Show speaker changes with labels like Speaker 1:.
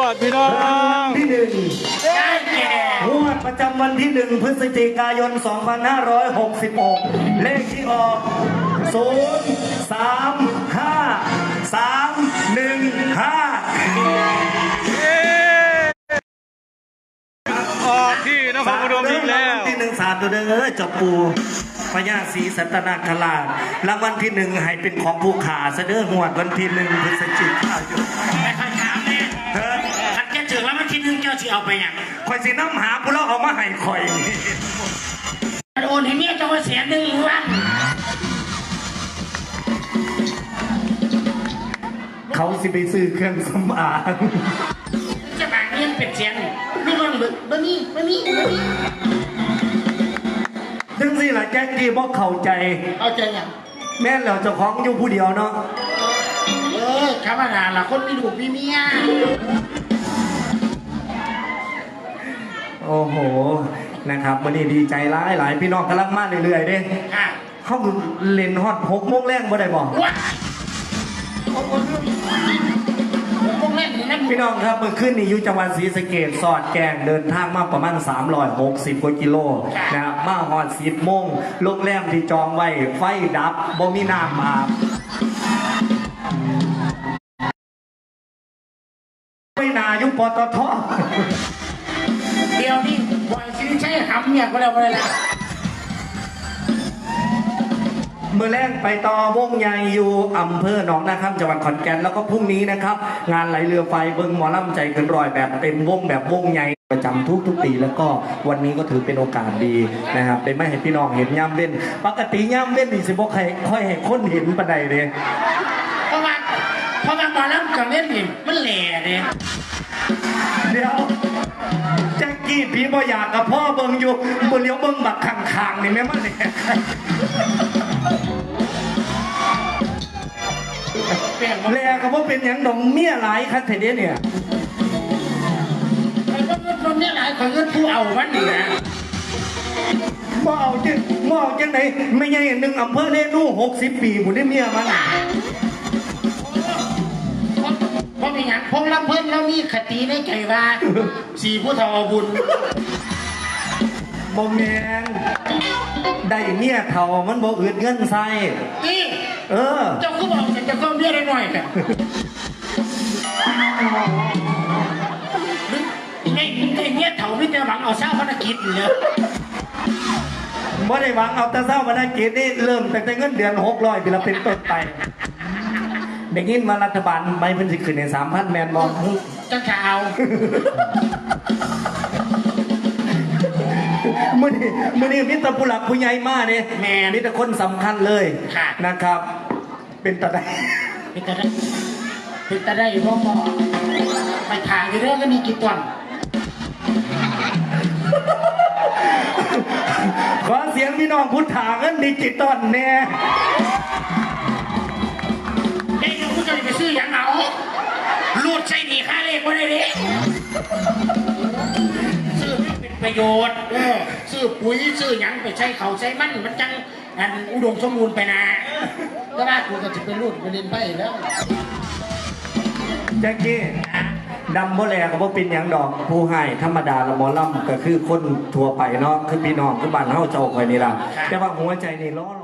Speaker 1: วดพี่น้อง
Speaker 2: ที่หนึ่ง
Speaker 3: ได้แก่
Speaker 2: งวดประจำวันที่1 พฤศจิกายน 2566 เลขที่ออก0 3 5 3 1 5
Speaker 1: ออกที่นครพนมอีกแล้ว
Speaker 2: ที่1 3ตัวเด้อจับปูพญาศรีสัตนาคราชรางวัลที่1ให้เป็นของผู้ขาเสด็จงวดวันที่1 พฤศจิกายน
Speaker 3: ไม่ค่อยถามเนี่ยขัดแกถึงแล้วมันทีนึงเจ้าสิเอาไปอย่าง
Speaker 2: คอยสิน้ำหาผู้เล่าเอามาให้คอย
Speaker 3: โอนให้เมียเจ้าว่า100,000วัน
Speaker 2: เขาสิไปซื้อเครื่องสำอาง
Speaker 3: จะบางเงินเป็นเสียงไม่ต้องบะมี่
Speaker 2: ถึงสิล่ะแจ็คกี้บอกเข้าใจ
Speaker 3: เอาใจอย่าง
Speaker 2: แม่นแล้วเจ้าของอยู่ผู้เดียวเนาะ
Speaker 3: ธรรมดาล่ะคนมีลูกมีเมีย
Speaker 2: โอ้โหนะครับวันนี้ดีใจหลายพี่น้องกำลังมาเรื่อยๆเด้เขาเล่นฮอต6 โมงแรงบ่ได้บอกพี่น้องครับเมื่อคืนนี้อยู่จังหวัดศรีสะเกษสอดแกงเดินทางมาประมาณ360 กว่ากิโลนะครับมาฮอด10 โมงโรงแรมที่จองไว้ไฟดับบ่มีน้ำอาบไม่นายุปตท
Speaker 3: เดี๋ยวนี้บ่อยซื้อใช้หำเนี่ยก็แล้วไปแล้ว
Speaker 2: เมื่อแรกไปต่อวงใหญ่อยู่อำเภอหนองนาคำจังหวัดขอนแก่นแล้วก็พรุ่งนี้นะครับงานไหลเรือไฟเบิ้งหมอลำใจเกินร้อยแบบเต็มวงแบบวงใหญ่ประจำทุกปีแล้วก็วันนี้ก็ถือเป็นโอกาสดีนะครับได้ไม่ให้พี่น้องเห็นย่ำเล่นปกติย่ำเล่นนี่สิบ่ค่อยให้คนเห็นปานใดเลย
Speaker 3: เพราะว่าหมอลำกับเล่นนี่มันแหล่เลย
Speaker 2: เดี๋ยวแจ็คกี้พี่บ่อยากกับพ่อเบิ้งอยู่บนเลี้ยวเบิ้งบักข้างๆนี่แม่มันเนี่ยแลก็ว่าเป็นอย่างดองเมียหลายคัดเทเดเนี่ย
Speaker 3: ไอ้พวกเงินคนนี้หลายคนเงินผู้เอามันนี่นะ
Speaker 2: บ่เอาจังไหนไม่ใช่หนึ่งอำเภอเล่นู่60 ปีผมได้เมียมัน
Speaker 3: เพราะมีอย่างพงลำเพิ่นแล้วมีคติในใจว่า4 ผู้เฒ่าบุญ
Speaker 2: บ่แมนได้เมียเฒ่ามันบ่อึดเงินใส่
Speaker 3: เจ้าก็บอกจะก็เมียได้หน่อยกันไอ้เมียเฒ่าไม่ได้หวังเอาเช้าภารกิจเลย
Speaker 2: บ่ได้หวังเอาแต่เช้าภารกิจนี่เริ่มตั้งแต่เงินเดือน600ปีละเป็นต้นไปได้ยินมารัฐบาลใบเพิ่นสิขึ้นใน 3,000 แม่นบ่
Speaker 3: จังจะเอา
Speaker 2: มื่อนี้มิตรผู้หลักผู้ใหญ่มากเนี่ยมิตรคนสำคัญเลยนะครับเป็นตาได้
Speaker 3: พ่อไปทางอยู่เรื่องก็มีกี่วัน
Speaker 2: ขอเสียงพี่น้องพุทธาเงินดิจิตอลแน่
Speaker 3: เด็กผู้จะไปซื้ออย่างเอาลูดใช้หนีค่าเลขไว้เลยดิประโยชน์ซื้อปุ๋ยซื้อหยังไปใช้เขาใช้มันจังอุดมสมบูรณ์ไปนะก็ว่ากูก็จะเป็นรุ่นประเด็นไปแล้ว
Speaker 2: แจ็คกี้ดำโมแลก็บ่เป็นอย่างดอกผู้ให้ธรรมดาละหมอลำก็คือคนทั่วไปเนาะคือพี่น้องคือบ้านเฮาเจ้าคอยนี่ล่ะแต่ว่าหัวใจนี่ล้อ